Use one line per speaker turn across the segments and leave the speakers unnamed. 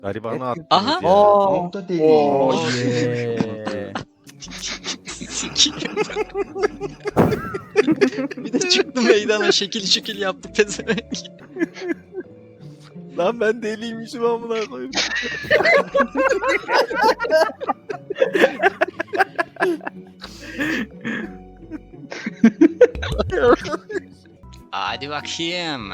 Garibanı
Evet.
attınız
Aha.
ya.
O da değil.
Oh yeah.
Bir de çıktı meydana şekil şekil yaptı pezevenk.
Lan ben deliymişim amına koyayım.
Hadi bakayım.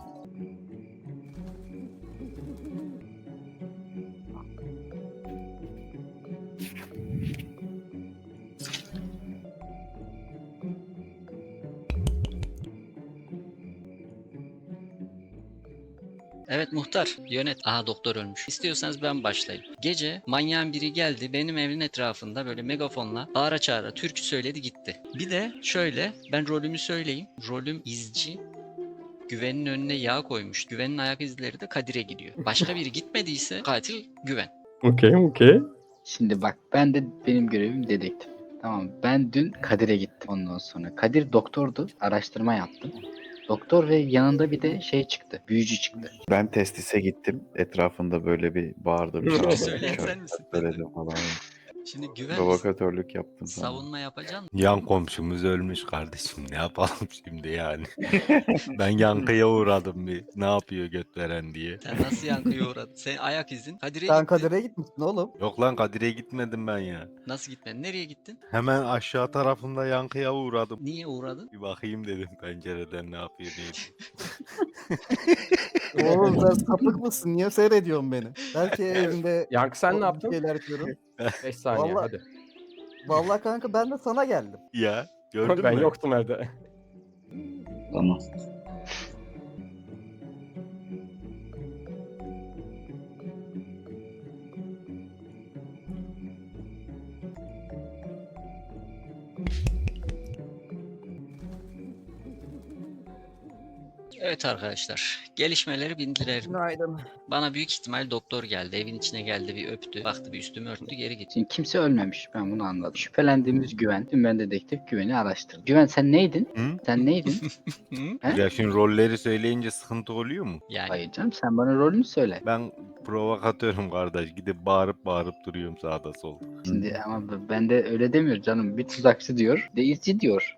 Evet muhtar yönet. Aha doktor ölmüş. İstiyorsanız ben başlayayım. Gece manyağın biri geldi benim evin etrafında böyle megafonla bağıra çağıra türkü söyledi gitti. Bir de şöyle ben rolümü söyleyeyim. Rolüm izci. Güven'in önüne yağ koymuş. Güven'in ayak izleri de Kadir'e gidiyor. Başka biri gitmediyse katil Güven.
Okey.
Şimdi bak benim görevim dedektif. Tamam, ben dün Kadir'e gittim ondan sonra. Kadir doktordu, araştırma yaptım. Doktor ve yanında bir de şey çıktı, büyücü çıktı.
Ben testise gittim. Etrafında böyle bir bağırdım.
Türkü
çağırdım,
söyleyen
şarkı
sen misin?
söyledim falan.
Şimdi Güven
Provokatörlük yaptım sana.
savunma yapacaksın.
Yan komşumuz ölmüş kardeşim. Ne yapalım şimdi yani? Ben yankıya uğradım bir. Ne yapıyor göt veren diye.
Sen nasıl yankıya uğradın? Sen ayak izin. Kadir'e
Sen
gittin.
Kadir'e gitmişsin oğlum.
Yok lan Kadir'e gitmedim ben ya.
Nasıl gitmedin? Nereye gittin?
Hemen aşağı tarafında yankıya uğradım.
Niye uğradın?
Bir bakayım dedim pencereden ne yapıyor diye.
Oğlum sen sapık mısın? Niye seyrediyorsun beni? Belki evimde
Yankı sen ne yaptın?
şeyler yapıyorum.
5 saniye
Vallahi-
hadi.
Vallahi kanka ben de sana geldim.
Ya gördün
Ben
mü?
yoktum evde.
Tamam.
Evet arkadaşlar. Gelişmeleri bildirelim.
Günaydın.
Bana büyük ihtimal doktor geldi. Evin içine geldi bir öptü. Baktı bir üstümü örttü geri gitti.
Şimdi kimse ölmemiş, ben bunu anladım. Şüphelendiğimiz Güven. Dün ben dedektif Güven'i araştırdım. Güven sen neydin?
Hı?
Sen neydin?
Hı?
He?
Ya şimdi rolleri söyleyince sıkıntı oluyor mu?
Yani
Hayır canım, sen bana rolünü söyle.
Ben provokatörüm kardeş. Gidip bağırıp duruyorum sağda solda.
Şimdi ama ben de öyle demiyor canım. Bir tuzakçı diyor, bir de izci diyor.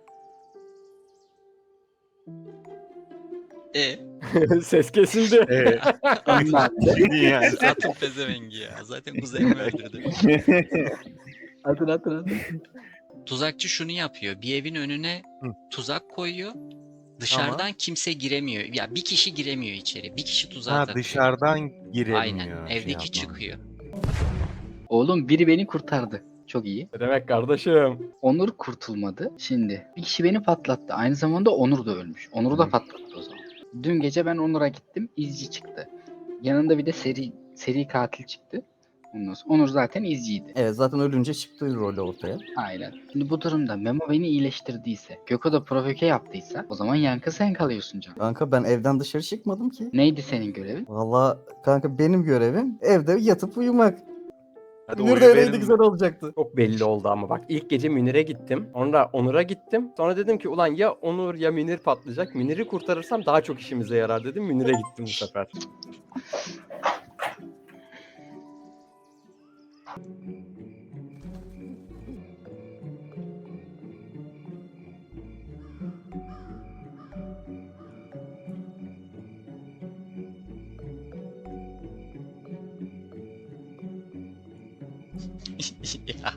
Ses kesildi.
Anlat.
yani.
zaten pezevengi ya. Zaten kuzenimi öldürdü.
Atın.
Tuzakçı şunu yapıyor. Bir evin önüne
Hı.
tuzak koyuyor. Dışarıdan kimse giremiyor. Ya bir kişi giremiyor içeri. Bir kişi tuzağa
Ha
takıyor.
dışarıdan giremiyor.
Aynen.
şey
Evdeki
yapmam.
çıkıyor.
Oğlum biri beni kurtardı. Çok iyi.
Ne demek kardeşim?
Onur kurtulmadı. Şimdi bir kişi beni patlattı. Aynı zamanda Onur da ölmüş. Onur'u da patlattı o zaman. Dün gece ben Onur'a gittim. İzci çıktı. Yanında bir de seri katil çıktı. Ondan sonra Onur zaten izciydi.
Evet zaten ölünce çıktı rolü ortaya.
Aynen. Şimdi bu durumda Memo beni iyileştirdiyse, Gökhan da provoke yaptıysa o zaman yankı sen kalıyorsun canım.
Kanka ben evden dışarı çıkmadım ki.
Neydi senin görevin?
Vallahi kanka benim görevim evde yatıp uyumak.
Hadi
Münir
oyu
de öyleydi
verin
güzel
mi?
olacaktı.
Çok belli oldu ama bak ilk gece Münir'e gittim. Sonra Onur'a gittim. Sonra dedim ki ulan ya Onur ya Münir patlayacak. Münir'i kurtarırsam daha çok işimize yarar dedim. Münir'e gittim bu sefer.
ya.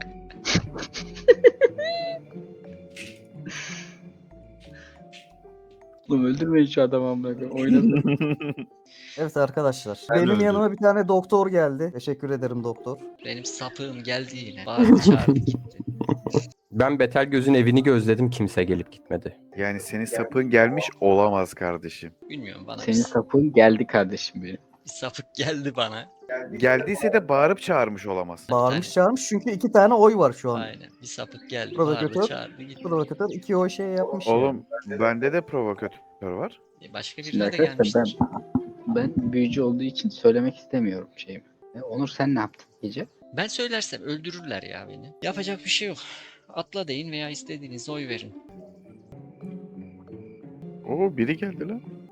Oğlum öldürmeyin şu adamı amına koyayım. Oynasın.
Evet arkadaşlar.
Ben
benim
öldüm.
yanıma bir tane doktor geldi. Teşekkür ederim doktor.
Benim sapığım geldi yine. Bağırdı çağırdı gitti.
Ben Betel Göz'ün evini gözledim. Kimse gelip gitmedi.
Yani senin sapın gelmiş olamaz kardeşim.
Bilmiyorum bana
Senin sapın geldi kardeşim benim.
bir sapık geldi bana.
Geldiyse de bağırıp çağırmış olamaz.
Bağırmış
tane-
çağırmış çünkü 2 tane oy var şu an.
Aynen. Bir sapık geldi.
Provokatör.
Bağırdı çağırdı gitti.
Provokatör 2 oy şey yapmış.
Oğlum bende de provokatör var.
Başka
Şimdi
birine de
arkadaşlar
gelmiştir.
ben büyücü olduğu için söylemek istemiyorum şeyimi. Onur sen ne yaptın gece?
Ben söylersem öldürürler ya beni. Yapacak bir şey yok. Atla deyin veya istediğiniz oy verin.
Oo biri geldi lan.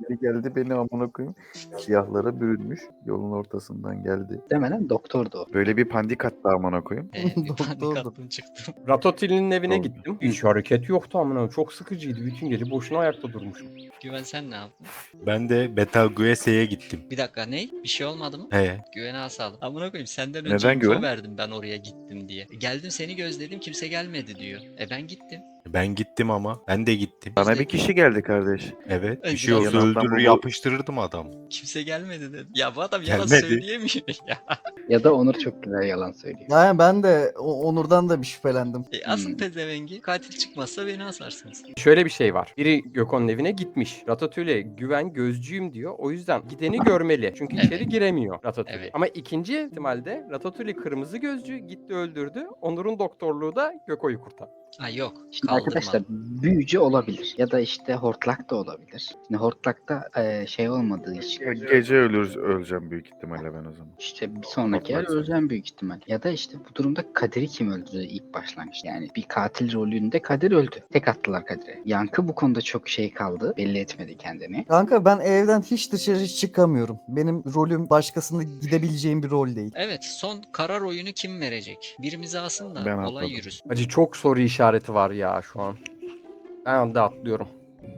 biri geldi beni amına koyayım. Siyahlara bürünmüş. Yolun ortasından geldi.
Demeden doktordu o.
Böyle bir pandik attı amına koyayım.
Bir panik
Doktordu.
attım çıktım.
Ratatouille'nin evine
Oldu.
gittim. Hiç hareket yoktu amına. Çok sıkıcıydı. Bütün gece boşuna ayakta durmuşum.
Güven sen ne yaptın?
Ben de Betelgeuse'ye gittim.
Bir dakika ne? Bir şey olmadı mı?
He.
Güvene asalım. Amına koyayım senden
Neden
önce info
güven?
verdim ben oraya gittim diye. Geldim seni gözledim kimse gelmedi diyor. Ben gittim.
Ben gittim ama. Ben de gittim.
Bana bir kişi geldi kardeş.
Evet. Bir
Ay,
şey
biraz
olsa
yanından
öldürür
bu-
yapıştırırdım adam.
Kimse gelmedi dedi. Ya bu adam yalan
Gelmedi.
söyleyemiyor ya.
Ya da Onur çok güzel yalan söylüyor.
Yani ben de Onur'dan da bir şüphelendim.
Asıl
Hmm.
pezevengi katil çıkmazsa beni asarsınız.
Şöyle bir şey var. Biri Gökhan'ın evine gitmiş. Ratatouille güven gözcüyüm diyor. O yüzden gideni görmeli. Çünkü
Evet.
içeri giremiyor Ratatouille.
Evet.
Ama ikinci ihtimalde Ratatouille kırmızı gözcü gitti öldürdü. Onur'un doktorluğu da Göko'yu kurtardı.
Ha yok.
Şimdi
Kaldırmadım.
arkadaşlar büyücü olabilir ya da işte hortlak da olabilir. Şimdi hortlakta şey olmadığı için
Gece öleceğim büyük ihtimalle ben o zaman.
işte bir sonraki yer
Hortlak
öleceğim büyük ihtimal. Ya da işte bu durumda Kadir'i kim öldürdü ilk başlangıç. Yani bir katil rolünde Kadir öldü. Tek attılar Kadir'e. Yankı bu konuda çok şey kaldı. Belli etmedi kendini.
Kanka ben evden hiç dışarı çıkamıyorum. Benim rolüm başkasında gidebileceğim bir rol değil.
Evet son karar oyunu kim verecek? Birimizi alsın da
Ben
olay
atladım.
yürüsün.
Acı çok soru işareti var ya şu an. Ben de atlıyorum.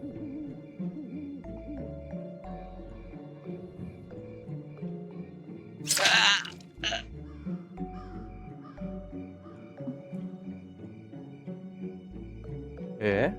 E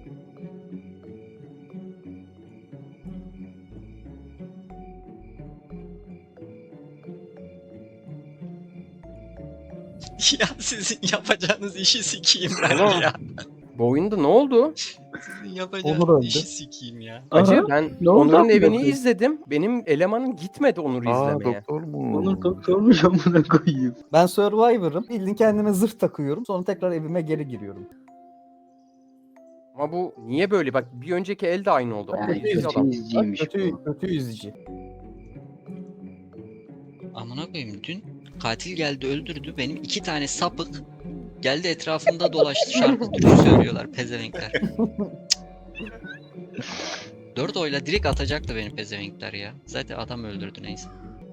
Ya sizin yapacağınız işi sikeyim ben
Oğlum.
ya.
bu oyunda ne oldu?
Sizin yapacağınız
Onur öldü.
işi sikeyim ya.
Acı
Aha,
ben
ne oldu
Onur'un
amına
evini
koyayım?
izledim. Benim elemanım gitmedi Onur'u izlemeye.
Doktor mu?
Onur doktormuş amına koyayım.
Ben Survivor'ım. Bildiğin kendime zırh takıyorum. Sonra tekrar evime geri giriyorum.
Ama bu niye böyle? Bak bir önceki el de aynı oldu.
Yani
Ama ikinci
kötü
adam.
izciymiş
Kötü,
bu.
kötü yüzücü.
Amına koyayım dün katil geldi öldürdü. Benim 2 tane sapık geldi etrafımda dolaştı şarkı türkü söylüyorlar pezevenkler. 4 oyla direkt atacaktı beni pezevenkler ya. Zaten adam öldürdü neyse.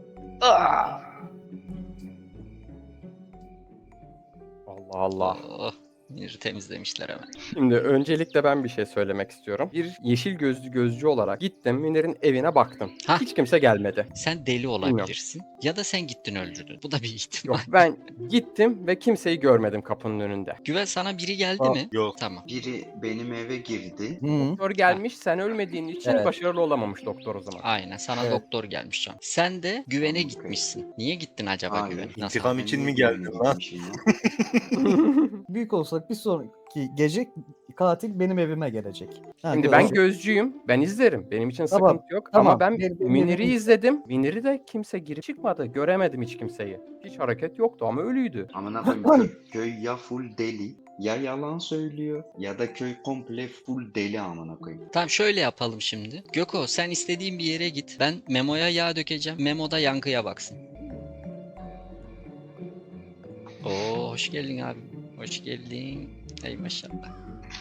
Allah Allah.
Oh, Münir'i temizlemişler hemen.
Şimdi öncelikle ben bir şey söylemek istiyorum. Bir yeşil gözlü gözcü olarak gittim Münir'in evine baktım.
Hah.
Hiç kimse gelmedi.
Sen deli olabilirsin. Ya da sen gittin öldürdün. Bu da bir ihtimal.
Yok ben gittim ve kimseyi görmedim kapının önünde.
Güven sana biri geldi
Aa,
mi?
Yok.
Tamam.
Biri benim eve girdi.
Hı.
Doktor gelmiş sen ölmediğin için
Evet.
başarılı olamamış doktor o zaman.
Aynen sana
Evet.
doktor gelmiş can. Sen de güvene
Tamam,
gitmişsin. Niye gittin acaba
Hayır.
güvene? Nasıl?
İntikam
Ben
için
niye
mi geldin
güvene
lan?
gitmişim ya?
Büyük olsak bir sonraki gece katil benim evime gelecek. Ha,
Şimdi ben
görecek.
gözcüyüm. Ben izlerim. Benim için
Tamam,
sıkıntı yok.
tamam.
Ama ben
Benim-
Münir'i
benim-
izledim. Münir'i de kimse girip çıkmadı. Göremedim hiç kimseyi. Hiç hareket yoktu ama ölüydü.
Amına koyayım köy ya full deli ya yalan söylüyor ya da köy komple full deli amına koyayım.
Tamam şöyle yapalım şimdi. Göko sen istediğin bir yere git. Ben Memo'ya yağ dökeceğim. Memo da Yankı'ya baksın. Oo hoş geldin abi. Hoş geldin. Ey maşallah.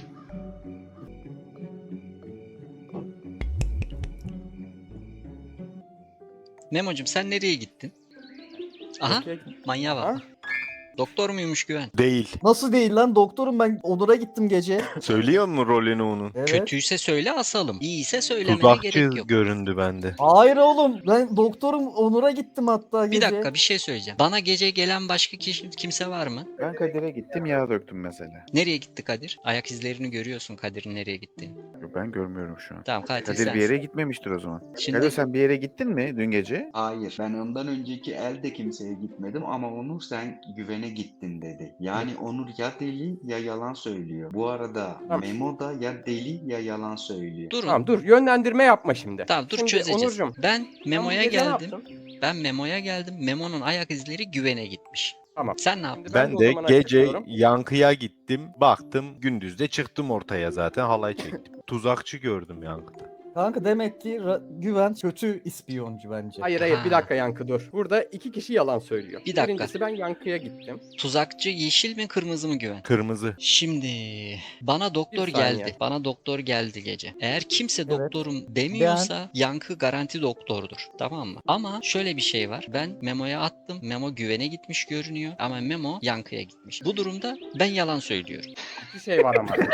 Memo'cum sen nereye gittin? Aha
Okey.
manyağa bak.
Ha?
Doktor muymuş Güven?
Değil.
Nasıl değil lan doktorum, ben Onur'a gittim gece.
Söylüyor mu rolünü onun?
Evet.
Kötüyse söyle asalım. İyiyse söylemeye gerek
Tuzakçı
yok.
göründü bende.
Hayır oğlum, ben doktorum, Onur'a gittim hatta
Bir
gece.
dakika bir şey söyleyeceğim. Bana gece gelen başka kimse var mı?
Ben Kadir'e gittim yağ döktüm mesela.
Nereye gitti Kadir? Ayak izlerini görüyorsun Kadir'in nereye gittiğini.
Ben görmüyorum şu an.
Tamam katil
Kadir
sensin.
bir yere gitmemiştir o zaman.
Şimdi
Kadir sen bir yere gittin mi dün gece?
Hayır ben ondan önceki elde kimseye gitmedim ama Onur sen güvene gittin dedi. Yani Onur ya deli ya yalan söylüyor. Bu arada
Tamam.
Memo da ya deli ya yalan söylüyor.
durun.
Tamam dur yönlendirme yapma şimdi.
Tamam dur
Şimdi
çözeceğiz.
Onurcuğum,
Ben Memo'ya
sen bu gece ne
geldim.
yaptın?
Ben Memo'ya geldim. Memo'nun ayak izleri güvene gitmiş.
Tamam.
Sen ne yaptın?
Şimdi ben
Ben
de o
de
zaman
gece
açıklıyorum.
Yankı'ya gittim. Baktım gündüz de çıktım ortaya zaten halay çektim. Tuzakçı gördüm Yankı'da.
Kanka demek ki Güven kötü ispiyoncu bence.
Hayır hayır bir
Ha.
dakika Yankı dur. Burada iki kişi yalan söylüyor.
Bir dakika.
Birincisi ben Yankı'ya gittim.
Tuzakçı yeşil mi kırmızı mı Güven?
Kırmızı.
Şimdi bana doktor
Bir saniye.
geldi. Bana doktor geldi gece. Eğer kimse
Evet.
doktorum demiyorsa Yankı garanti doktordur. Tamam mı? Ama şöyle bir şey var. Ben Memo'ya attım. Memo Güven'e gitmiş görünüyor. Ama Memo Yankı'ya gitmiş. Bu durumda ben yalan söylüyorum.
İki şey var ama.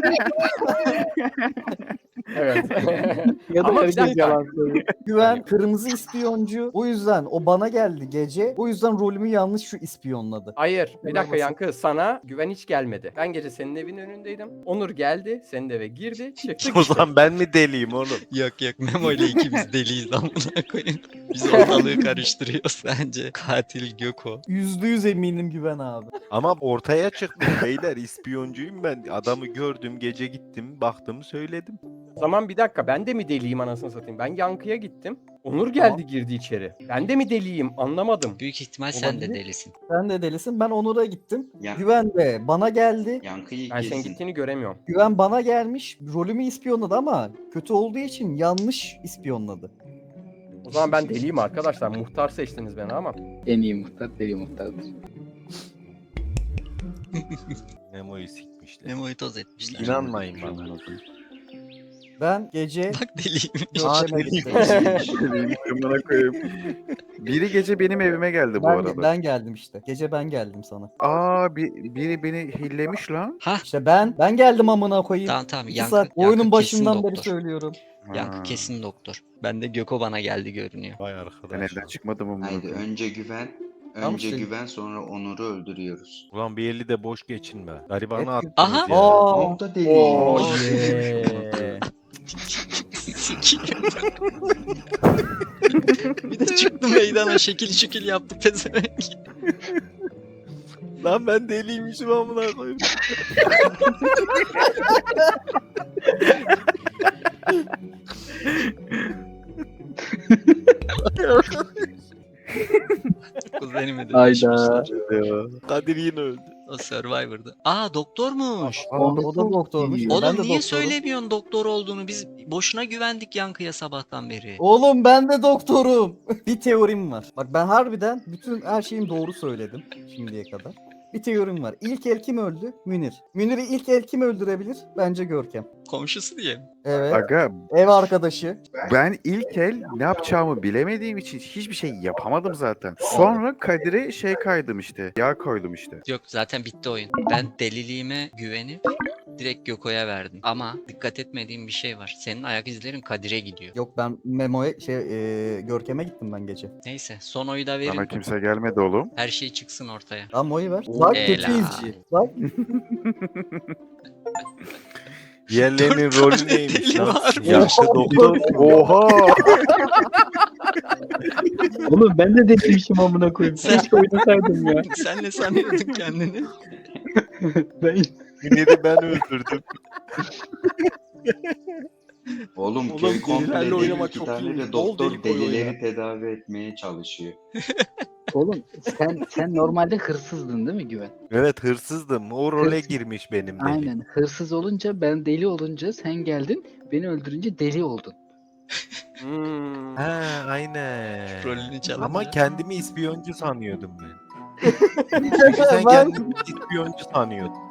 Evet.
Ya da
Ama bir
herkes
dakika.
yalan söylüyor.
Güven kırmızı ispiyoncu. O yüzden o bana geldi gece. O yüzden rolümü yanlış şu ispiyonladı.
Hayır. Bir dakika
Olmasın.
Yankı sana Güven hiç gelmedi. Ben gece senin evin önündeydim. Onur geldi. Senin eve girdi. Çıktı
O
gitti.
zaman ben mi deliyim oğlum?
Yok yok Memo ile ikimiz deliyiz amına koyayım. Biz ortalığı karıştırıyoruz bence. Katil Göko.
%100 eminim Güven abi.
Ama ortaya çıktım beyler, ispiyoncuyum ben. Adamı gördüm, gece gittim, baktım, söyledim.
O zaman bir dakika ben de mi deliyim anasını satayım? Ben Yankı'ya gittim. Onur geldi girdi içeri. Ben de mi deliyim anlamadım.
Büyük ihtimal sen de
Olabilir.
delisin.
Sen de delisin. Ben Onur'a gittim.
Ya-
Güven de bana geldi.
Yankıyı
Ben senin
kesin.
gittiğini göremiyorum.
Güven bana gelmiş. Rolümü ispiyonladı ama kötü olduğu için yanlış ispiyonladı.
O zaman ben deliyim arkadaşlar. Muhtar seçtiniz beni ama.
En iyi muhtar deli muhtardır.
Memo'yu sikmişler.
Memo'yu toz etmişler.
İnanmayın bana.
Ben gece
Bak deliyim.
görkeme gittim.
Amına koyayım. Biri gece benim evime geldi bu arada.
Ben geldim işte. Gece ben geldim sana.
Aa biri beni hillemiş lan.
Ha
İşte ben geldim amına koyayım.
tamam tamam.
2
Yankı,
saat
Yankı
oyunun
kesin
başından beri
doktor.
söylüyorum.
Yankı
Ha.
kesin doktor. Ben de Göko bana geldi görünüyor.
Vay
Ben
arkadaş.
evden çıkmadım ama.
Haydi önce güven.
Tamam
Önce
işte.
güven sonra Onur'u öldürüyoruz.
Ulan bir eli de boş geçinme. Garibanı
Hep-
attınız
Aha.
ya.
Aa,
O da deli.
Oo
Oo.
yeah.
Bir de çıktı meydana şekil şekil yaptı pezevenk.
Lan ben deliymişim amına koyayım.
Kuzenimi de
Hayda.
düşmüşler.
Kadir yine öldü.
O Survivor'da. Aa doktormuş.
o da doktormuş.
Oğlum
Ben de
niye
doktorum.
söylemiyorsun doktor olduğunu? Biz boşuna güvendik Yankı'ya sabahtan beri.
Oğlum ben de doktorum. Bir teorim var. Bak ben harbiden bütün her şeyin doğru söyledim şimdiye kadar. Bir teorim var. İlk el kim öldü? Münir. Münir'i ilk el kim öldürebilir? Bence Görkem.
Komşusu diye mi?
Evet.
Aga
Ev arkadaşı.
ben ilk el ne yapacağımı bilemediğim için hiçbir şey yapamadım zaten. Sonra Kadir'e şey kaydım işte. Yağ koydum işte.
Yok zaten bitti oyun. Ben deliliğime güvenip direkt Göko'ya verdim. Ama dikkat etmediğim bir şey var. Senin ayak izlerin Kadir'e gidiyor.
Yok ben Memo'ya Görkem'e gittim ben gece.
Neyse son oyu da
Bana
verin.
kimse gelmedi oğlum.
Her şey çıksın ortaya.
Tamam oyu ver. Bak kötü
Helal.
izci. Bak
Diğerlerinin
Dört
rolü
tane
neymiş
deli
lan?
var.
Yaşlı doktor.
Oha!
Oğlum ben de deliymişim amına koyayım. Keşke oynasaydım ya.
Sen ne sanıyordun kendini?
Ben
Münir'i ben öldürdüm.
Oğlum
Oğlum,
köy komple
delilerle
deli,
oynamak
iki
çok
tane
iyi.
de
Bol
doktor
deli koy
delileri
oyna.
tedavi etmeye çalışıyor.
Oğlum sen normalde hırsızdın değil mi Güven?
Evet hırsızdım. O role
Hırsız.
girmiş benim deli.
Aynen. Hırsız olunca ben deli olunca sen geldin. Beni öldürünce deli oldun.
Hmm.
Ha aynen.
Rolünü çalın.
Ama
ya.
kendimi ispiyoncu sanıyordum ben. Çünkü sen
Ben-
kendini ispiyoncu sanıyordun.